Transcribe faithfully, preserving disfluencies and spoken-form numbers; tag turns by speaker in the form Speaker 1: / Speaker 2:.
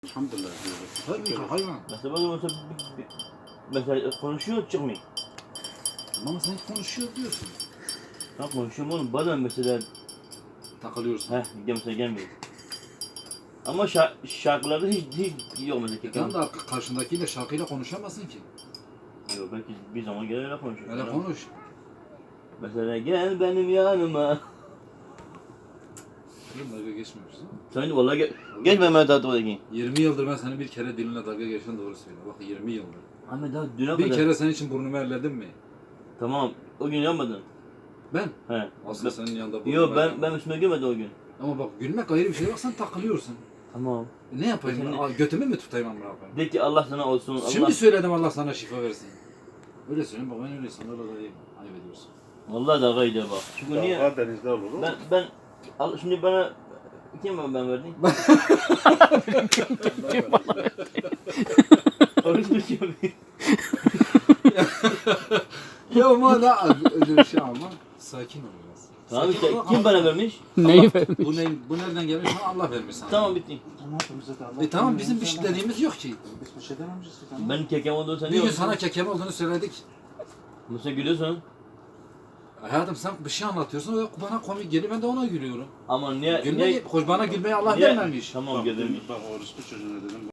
Speaker 1: Elhamdülillah diyoruz.
Speaker 2: Tabii ki hayvan.
Speaker 3: Mesela ben mesela, bir- bir- mesela konuşuyor çıkmıyor.
Speaker 2: Ama sen hiç konuşuyor diyorsun.
Speaker 3: Ben konuşuyorum oğlum bazen mesela
Speaker 2: Takılıyorsun.
Speaker 3: heh mesela gelmiyor. Ama şa şarkılarda hiç hiç yok mesela.
Speaker 2: E tamam da karşındakiyle şarkıyla konuşamazsın ki.
Speaker 3: Yok belki bir zaman gelir öyle konuşuyor.
Speaker 2: Öyle konuş.
Speaker 3: Mesela gel benim yanıma.
Speaker 2: Oğlum dalga geçmiyorsun.
Speaker 3: Sen vallahi gel, gel Mehmet Atatürk'e.
Speaker 2: yirmi yıldır ben senin bir kere dilinle dalga geçen doğru söyle. Bak yirmi yıldır.
Speaker 3: Ahmet daha düne
Speaker 2: Bir
Speaker 3: kadar.
Speaker 2: kere senin için burnumu elledim mi?
Speaker 3: Tamam o gün yapmadın.
Speaker 2: Ben.
Speaker 3: He.
Speaker 2: Aslında senin yanında burnumu
Speaker 3: Yok ben
Speaker 2: elledim.
Speaker 3: ben üstüme girmedi o gün.
Speaker 2: Ama bak gülmek ayrı bir şey. Bak sen takılıyorsun.
Speaker 3: Tamam.
Speaker 2: E ne yapayım?
Speaker 3: Senin-
Speaker 2: Aa, götümü mü tutayım amına koyayım?
Speaker 3: De ki Allah sana olsun. Allah.
Speaker 2: Şimdi söyledim Allah sana şifa versin. Öyle söyleyeyim bak ben öyle insanlarla da iyiyim. Ayıp ediyorsun.
Speaker 3: Vallahi dalga gidiyor bak. Çünkü niye?
Speaker 1: Dağ denizde olur o.
Speaker 3: Ben ben al şimdi bana kim ben ben verdim? Oruç tutuyor.
Speaker 2: Ya ama da öyle bir şey ama sakin ol biraz.
Speaker 3: Tamam
Speaker 2: Sakin
Speaker 3: işte
Speaker 2: ol,
Speaker 3: kim
Speaker 2: Allah-
Speaker 3: bana vermiş?
Speaker 4: Neyi vermiş?
Speaker 2: Bu, ne, bu nereden gelmiş? Sana Allah vermiş sana.
Speaker 3: Tamam bitti.
Speaker 2: E tamam bizim bir şey dediğimiz yok ki.
Speaker 1: Biz bir şey dememişiz ki tamam.
Speaker 3: Ben kekem olduğunu sen
Speaker 2: Bir gün sana kekem olduğunu söyledik.
Speaker 3: Musa gülüyorsun.
Speaker 2: Hayatım sen bir şey anlatıyorsun o bana komik geliyor ben de ona gülüyorum.
Speaker 3: Ama niye?
Speaker 2: Gülme,
Speaker 3: niye?
Speaker 2: hoş bana gülmeyi Allah
Speaker 3: niye-
Speaker 2: vermemiş.
Speaker 3: Tamam
Speaker 1: Bak,
Speaker 3: gelirmiş.
Speaker 1: bak orospu çocuğuna dedim.